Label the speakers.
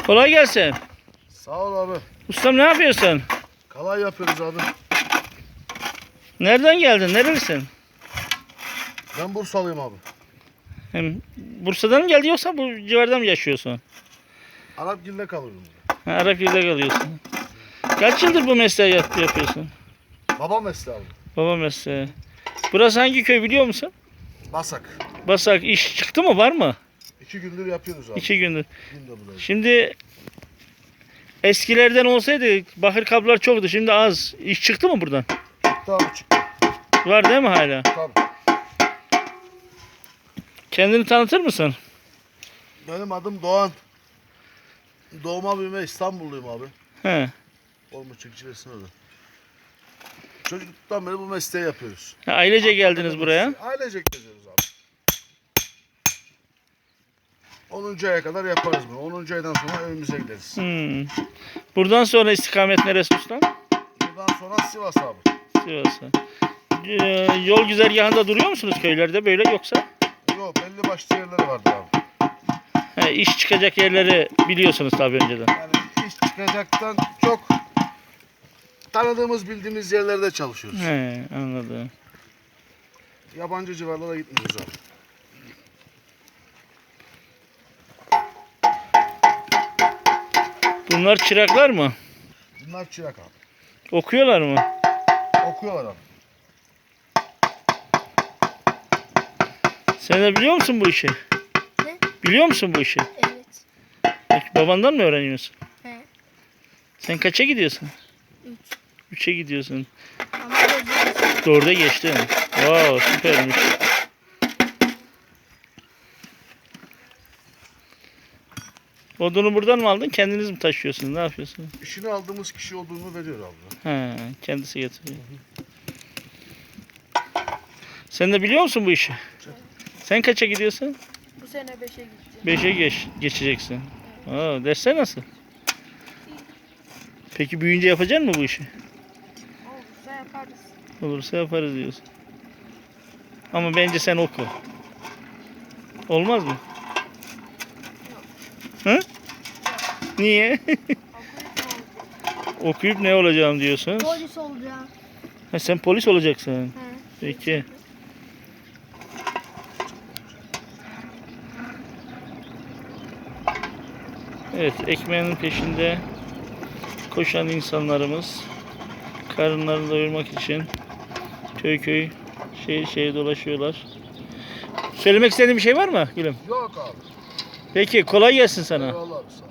Speaker 1: Kolay gelsin.
Speaker 2: Sağ ol abi.
Speaker 1: Ustam ne yapıyorsun?
Speaker 2: Kalay yapıyoruz abi.
Speaker 1: Nereden geldin? Nerelisin?
Speaker 2: Ben Bursalıyım abi.
Speaker 1: Hem Bursa'dan mı geldin yoksa bu civarda mı yaşıyorsun?
Speaker 2: Arapgil'de kalıyorum.
Speaker 1: Ha, Arapgir'de kalıyorsun. Kaç yıldır bu mesleği yapıyorsun?
Speaker 2: Baba mesleği abi.
Speaker 1: Baba mesleği. Burası hangi köy biliyor musun?
Speaker 2: Basak.
Speaker 1: Basak. İş çıktı mı? Var mı?
Speaker 2: 2 gündür yapıyoruz abi.
Speaker 1: 2 gündür.
Speaker 2: Günde buradayız.
Speaker 1: Şimdi eskilerden olsaydı bakır kablolar çoktu. Şimdi az. İş çıktı mı buradan?
Speaker 2: Çıktı abi çıktı.
Speaker 1: Var değil mi hala?
Speaker 2: Tabii.
Speaker 1: Kendini tanıtır mısın?
Speaker 2: Benim adım Doğan. Doğma büyüme İstanbulluyum abi.
Speaker 1: He.
Speaker 2: Olmuş çiftçilesin orada. Çocukluktan beri bu mesleği yapıyoruz.
Speaker 1: Ha, ailece geldiniz buraya.
Speaker 2: Ailecek geziyoruz abi. 10. aya kadar yaparız bunu. 10. aydan sonra evimize gideriz.
Speaker 1: Buradan sonra istikamet neresi ustam?
Speaker 2: Buradan sonra Sivas abi.
Speaker 1: Sivas'a. Yol güzergahında duruyor musunuz köylerde böyle yoksa?
Speaker 2: Yok belli başlı yerleri vardı abi.
Speaker 1: He, iş çıkacak yerleri biliyorsunuz tabii önceden.
Speaker 2: Yani iş çıkacaktan çok tanıdığımız bildiğimiz yerlerde çalışıyoruz.
Speaker 1: He, anladım.
Speaker 2: Yabancı civarlara gitmiyoruz abi.
Speaker 1: Bunlar çıraklar mı?
Speaker 2: Bunlar çırak abi.
Speaker 1: Okuyorlar mı?
Speaker 2: Okuyorlar abi.
Speaker 1: Sen de biliyor musun bu işi?
Speaker 3: Ne?
Speaker 1: Biliyor musun bu işi?
Speaker 3: Evet.
Speaker 1: Peki babandan mı öğreniyorsun?
Speaker 3: He.
Speaker 1: Sen kaça gidiyorsun?
Speaker 3: 3.
Speaker 1: 3'e gidiyorsun.
Speaker 3: Ama gözüm.
Speaker 1: 4'e geçtin. Wow, süpermiş. Odunu buradan mı aldın? Kendiniz mi taşıyorsunuz? Ne yapıyorsunuz?
Speaker 2: İşini aldığımız kişi olduğunu veriyor abi.
Speaker 1: He, kendisi getiriyor. Sen de biliyor musun bu işi? Sen kaça gidiyorsun?
Speaker 3: Bu sene 5'e gideceğim.
Speaker 1: 5'e geçeceksin. Aa, dersler nasıl? Peki büyüyünce yapacak mısın bu işi?
Speaker 3: Olursa yaparız.
Speaker 1: Olursa yaparız diyorsun. Ama bence sen oku. Olmaz mı? Hı? Niye? Okuyup ne olacağım diyorsun?
Speaker 3: Polis olacağım.
Speaker 1: Ha, sen polis olacaksın.
Speaker 3: He.
Speaker 1: Peki. Evet, ekmeğinin peşinde koşan insanlarımız karınlarını doyurmak için köy köy şehir şehir dolaşıyorlar. Söylemek istediğin bir şey var mı Gülüm?
Speaker 2: Yok abi.
Speaker 1: Peki kolay gelsin sana.
Speaker 2: Eyvallah abi. Sağ ol.